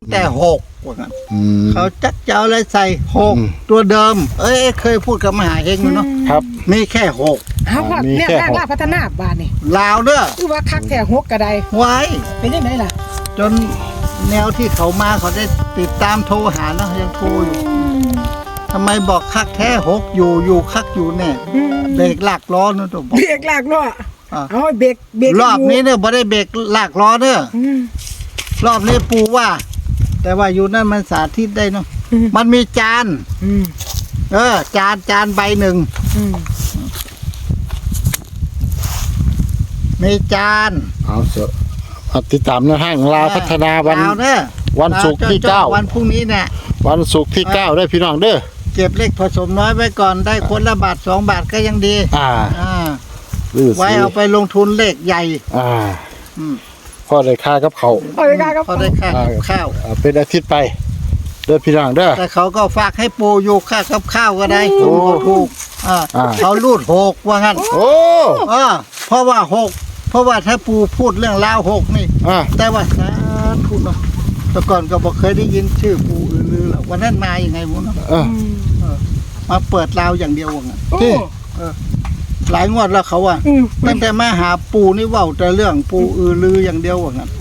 แต่6ว่างั้นเขาจักจะเอาอะไรใส่6ตัวเดิมเคยพูดกับมหาเฮงอยู่เนาะครับมีแค่6 เอาพ่อเนี่ยลาพัฒนาบ้านนี่ลาวเด้อคือว่าคักแท้6ก็ได้ไว้เป็นยังไงล่ะจนแนวที่เขามาเขาได้ติดตามโทรหาเนาะยังโทรอยู่ทำไมบอกคักแท้6อยู่คักอยู่แน่เบรกลากล้อเนาะตัวบอกเบรกลากล้อเอาเบรกรอบนี้เนี่ยบ่ได้เบรกลากล้อเด้อรอบนี้ปูว่า แต่ว่าอยู่นั่นมันสาธิตได้เนาะมันมีจานจานใบหนึ่งมีจานเอาเถอะติดตามในห้างลาวพัฒนาวันศุกร์ที่9 วันพรุ่งนี้เนี่ยวันศุกร์ที่9ได้พี่น้องเด้อเก็บเลขผสมน้อยไว้ก่อนได้คนละบาท2 บาทก็ยังดีไว้เอาไปลงทุนเลขใหญ่พอได้ค่ากับเขาพอได้ค่ากับข้าวเป็นอาทิตย์ไปเด้อพี่น้องเด้อแต่เขาก็ฝากให้ปูอยู่ค่ากับข้าวก็ได้ถูกเขารูด6ว่างั้นเพราะว่าถ้าปูพูดเรื่องลาว6นี่แต่ว่าสาธุเนาะแต่ก่อนก็บอกเคยได้ยินชื่อปูลือหรอกวันนั้นมาอย่างไงมุ้งเนาะมาเปิดลาวอย่างเดียวว่างั้นหลายงวดแล้วเขาว่าตั้งแต่มาหาปูนี่เว้าแต่เรื่องปูลืออย่างเดียวว่างั้น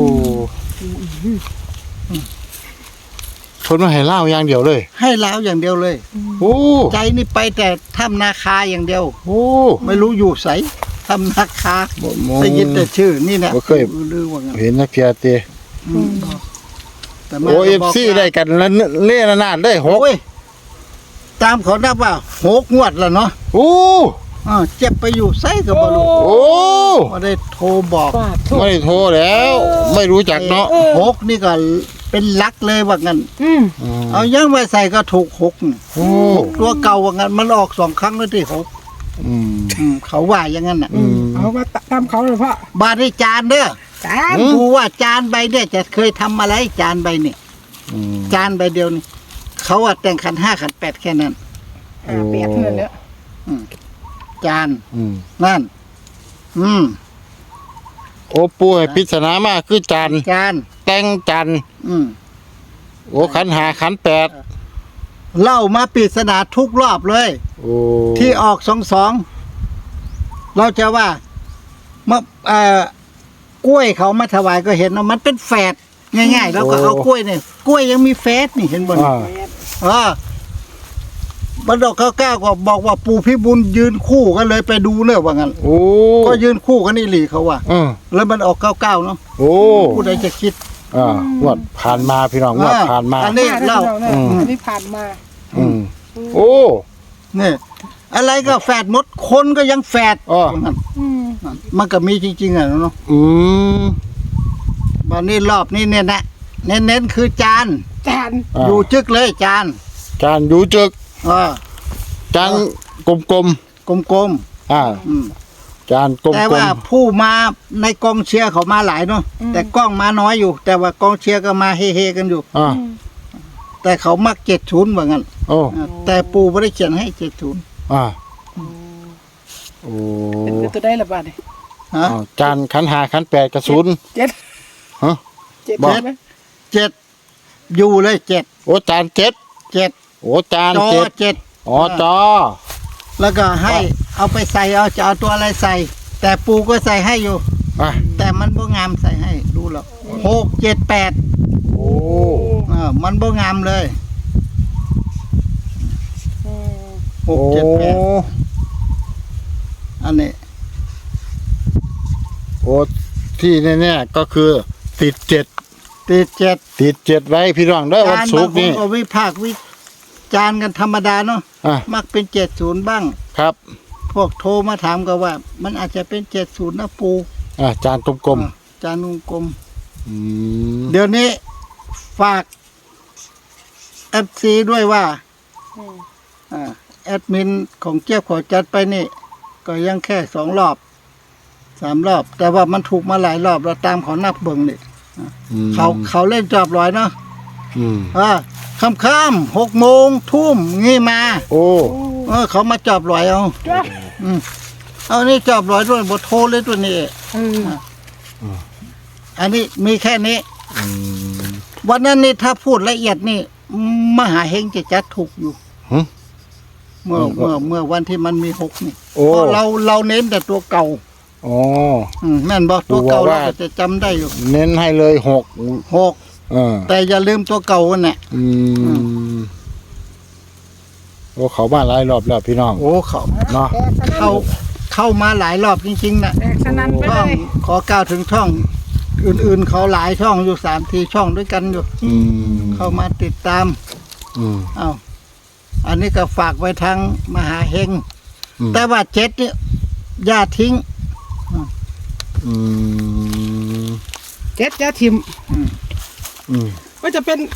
ทนมาให้เล่าอย่างเดียวเลยให้ลาวอย่างเดียวเลยใจนี่ไปแต่ถ้ำนาคาอย่างเดียวไม่รู้อยู่ไสทำนาคาได้ยินแต่ชื่อนี่นะเคยเห็นนักเทียเตFC ได้กันแล้วเล่นนานได้ 6ตามเขานับว่า6งวดแล้วเนาะเจ็บไปอยู่ไสก็บ่รู้ไม่ได้โทรบอกไม่ได้โทรแล้วไม่รู้จักเนาะ 6นี่ก็เป็นลักเลยว่างั้นเอายังไว้ใส่ก็ถูก6ตัวเก่าว่างั้นมันออก2 ครั้งแล้วที่6เขาว่าอย่างนั้นน่ะเอามาตามเขาเลยพ่อบาทให้จานเด้อดูว่าจานใบเนี่ยจะเคยทำอะไรจานใบนี่จานใบเดียวนี่เขาว่าแต่งขัน5ขัน8แค่นั้นเปียกเงินแล้วจานนั่นโอ้ปูให้พิจารณามากคือจานแต่งจานโอ้ขัน5ขัน8 เล่ามาปริศนาทุกรอบเลยที่ออก22เราจะว่าเมื่อกล้วยเขามาถวายก็เห็นว่ามันเป็นแฝดง่ายๆแล้วก็เอากล้วยเนี่ยกล้วยยังมีแฝดนี่เห็นบ่บัดดอกข้าวก้าวก็บอกว่าปู่พิบูลยืนคู่กันเลยไปดูเนอะว่างั้นก็ยืนคู่กันนี่หลีเขาว่าแล้วมันออก99เนาะผู้ใดจะคิดงวดผ่านมาพี่น้องงวดผ่านมาอันนี้เล่าอันนี้ผ่านมาเนี่ยอะไรก็แฝดหมดคนก็ยังแฝดมันก็มีจริงๆอ่ะเนาะวันนี้รอบนี้เนี่ยนะเน้นๆคือจานอยู่จึกเลยจานอยู่จึกจานกลมจานกลมแต่ว่าผู้มาในกองเชียร์เขามาหลายเนาะแต่กล้องมาน้อยอยู่แต่ว่ากองเชียร์ก็มาเฮๆกันอยู่แต่เขามัก70ว่างั้นแต่ปู่ไม่ได้เขียนให้70 เป็นตัวได้ละบาทเนี่ยจานขัน5ขัน8กับ0 7 อยู่เลย7 โอ้จาน7โอ้จาน7จอแล้วก็ให้เอาไปใส่จะเอาตัวอะไรใส่แต่ปูก็ใส่ให้อยู่แต่มันบ่งามใส่ให้ดูแล้ว6 7 8มันบ่งามเลย6 7 8อันนี้ที่แน่ๆก็คือติด7ไว้พี่น้องเด้อวันศุกร์นี้ก็วิพากษ์วิจารณ์กันธรรมดาเนาะมักเป็น70บ้างครับพวกโทรมาถามก็ว่ามันอาจจะเป็น70นะปูจานกลมจานกลมเดี๋ยวนี้ฝาก FC ด้วยว่าแอดมินของเจี๊ยบขอจัดไปนี่ก็ยังแค่2 รอบ3 รอบแต่ว่ามันถูกมาหลายรอบเราตามเขานับเบิ่งนี่เขาเล่นจอบลอยเนาะค่ำ6 โมงทุ่มงี้มาเขามาจอบลอยเอานี่จอบลอยด้วยบทโทรเลยตัวนี้อันนี้มีแค่นี้วันนั้นนี่ถ้าพูดละเอียดนี่มหาเฮงจะจัดถูกอยู่หึเมื่อวันที่มันมี6นี่โอ้เพราะเราเน้นแต่ตัวเก่าอ๋อแม่นบอกตัวเก่าดูว่าเราก็จะจำได้อยู่เน้นให้เลย6 6แต่อย่าลืมตัวเก่าน่ะโอ้เขามาหลายรอบแล้วพี่น้องโอ้เขาเนาะเข้ามาหลายรอบจริงๆน่ะแตกสนั่นไปช่เลองยขอก้าวถึงช่อง อื่นๆเขาหลายช่องอยู่3-4ช่องด้วยกันอยู่ เข้ามาติดตาม เอ้าอันนี้ก็ฝากไว้ทางมหาเฮงแต่ว่า7เนี่ยอย่าทิ้งเจ็ดยาทิม ก็จะเป็น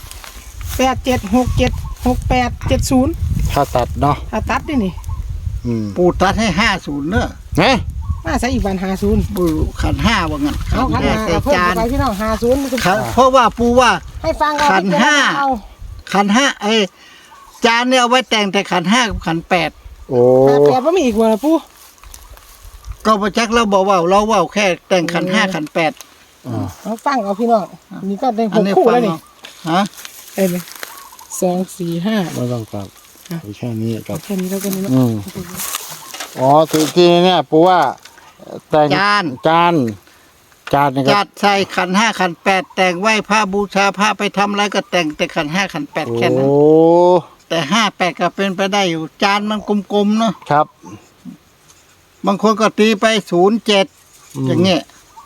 87676870 ถ้าตัดเนาะถ้าตัดนี่ปูตัดให้50เนอะฮะมาใส่อีกวัน50 ปูขัน5ว่างั้นเอาขันแรกหาใส่เพิ่มจานไปพี่น้อง50 เพราะว่าปูว่าให้ฟังเอาขันห้าเอาขัน5จานเนี่ยเอาไว้แต่งแต่ขัน5กับขัน8 โอ้แปดว่ามีอีกบ่ล่ะปู่ก็ประจักษ์เราบอกว่าเราเว่าแค่แต่งขัน5ขัน8 เอาฟังเอาพี่น้องนี่ก็ได้อันนี้ 6คู่ฟังแล้วนี่เอาฮะเอ้ย2 4 5 ไม่ต้องตัดเอาแค่นี้กับแค่นี้แล้วกันนี่อ๋อทีเนี่ยปูว่าแต่งจานจานนี่ก็จัดใส่ขัน5ขัน8แต่งไหว้พระบูชาพระไปทำอะไรก็แต่งแต่ขัน5ขัน8แค่นั้นโอ้แต่5 8ก็เป็นไปได้อยู่จานมันกลมๆเนาะครับบางคนก็ตีไป07อย่างเงี้ย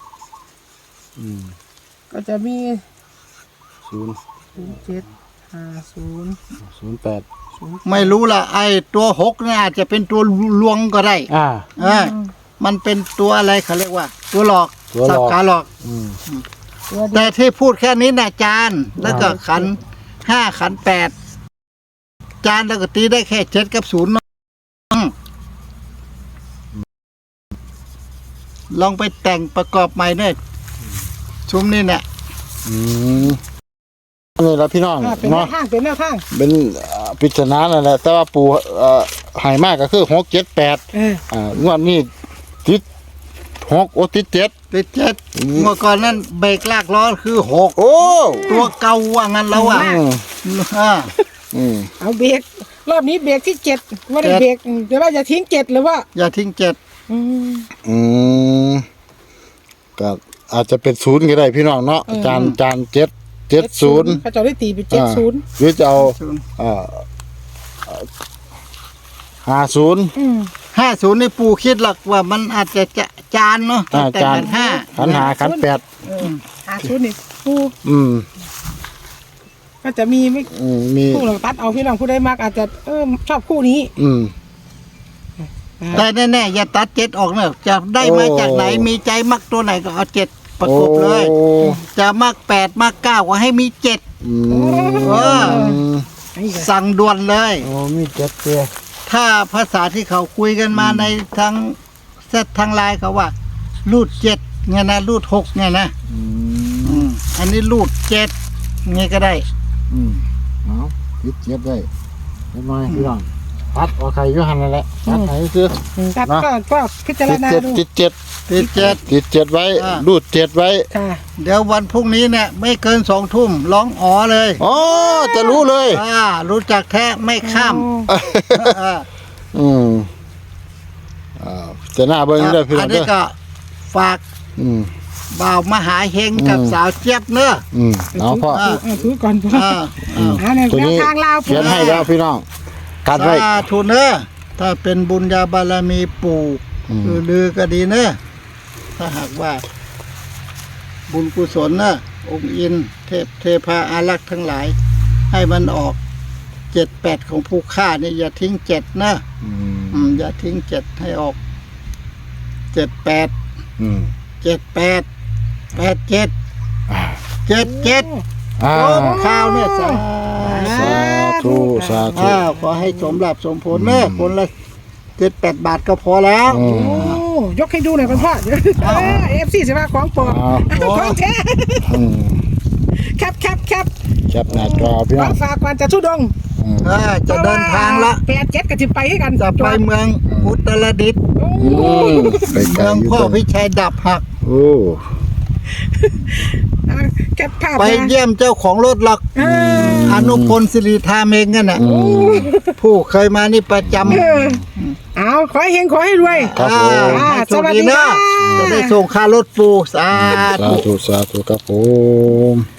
ก็จะมี 0 7 50 08 ไม่รู้ล่ะไอ้ตัว6เนี่ยอาจจะเป็นตัวลวงก็ได้ มันเป็นตัวอะไรเขาเรียกว่า ตัวหลอกตัวหลอกสับขาหลอกตัวเดียวแต่ที่พูดแค่นี้นะจานแล้วก็ขัน5ขัน8จานแล้วก็ตีได้แค่7กับ0เนาะลองไปแต่งประกอบใหม่เนอะชุมนี่เนี่ยนี่แหละพี่น้องเป็นแนเนาะวทางเป็นแนวทางเป็นปริศนานั่นแหละแต่ว่าปูหายมากก็คือ6 7 8งวดนี้ติด6โอติด7 ติด7เมื่อก่อนนั้นเบรกลากล้อคือ6 โอ้ตัวเก่าว่างั้นแล้วอ่ะเอาเบรกรอบนี้เบรกที่7ว่าได้เบรกเดี๋ยวว่าอย่าทิ้ง7หรือว่าอย่าทิ้งก็อาจจะเป็น0ก็ได้พี่น้องเนาะจาน7 70 เขาจะได้ตีเป็น70 หรือจะเอา 50 50นี่ปู่คิดหลักว่ามันอาจจะจานเนาะแต่จานขัน5 ขันหาขัน8 50นี่ผู้ก็จะมีไม่มีผู้หลังตัดเอาพี่น้องผู้ได้มากอาจจะชอบคู่นี้แต่แน่ๆอย่าตัด7ออกเนอะจะได้มาจากไหนมีใจมักตัวไหนก็เอา7ประกบเลย จะมัก8มัก9ก็ให้มี7สั่งด่วนเลยโอ้มี7เตี้ยถ้าภาษาที่เขาคุยกันมาในทางเซตทางไลน์เขาว่ารูด7ไงนะรูด6ไงนะอันนี้รูด7ไงก็ได้เอาติด7ได้เล็กน้อยพี่น้องตัดเอาใครอยู่หั่นนั่นแหละตัดไหนคือตัดก็พิจารณาดูติด7ไว้รูด7ไว้ค่ะเดี๋ยววันพรุ่งนี้เนี่ยไม่เกิน2 ทุ่มร้องอ๋อเลยอ๋อจะรู้เลยรู้จักแท้ไม่ข้ามจะหน้าเบิ่งได้พี่น้อัอน งนี้เด้อก็ฝากบ่าวมหาเฮงกับสาวเจี๊ยบเนอะเอาพ่อถือก่อนพ่อเนี่ยตัวนี้ทางลาวเขียนให้แล้วพี่น้องกัดไว้สาธุเนอะถ้าเป็นบุญญาบารมีปู่ลือก็ดีเนอะถ้าหากว่า บุญกุศลนะองค์อินเทพาอารักษ์ทั้งหลาย ให้มันออก7-8ของผู้ฆ่านี่อย่าทิ้ง7นะอย่าทิ้ง7ให้ออก78 78 87 77ข้าวเนี่ยสาธุสาธุขอให้สมรับสมผลเนอะคนละ7-8 บาทก็พอแล้วโอ้ยกให้ดูหน่อยพ่อFC สิว่าของปลอมของแท้แคปแคปหน้าจอพี่น้องฝากก่อนจะทุดงจะเดินทางละ 87ก็สิไปให้กันจะไปเมืองอุตรดิตถ์ไปไกลเมืองอยู่พ่อพิชัยดับหักโอ้แคปภาพไปเยี่ยมเจ้าของรถหรอกอนุพลสิริธาเมงกันน่ะผู้เคยมานี่ประจำเอาขอให้เฮงขอให้รวยครับผมให้โชสควัสดีดีนะค่ะจะได้ส่งค่ารถปูสาสาธุธุสาธุครับผม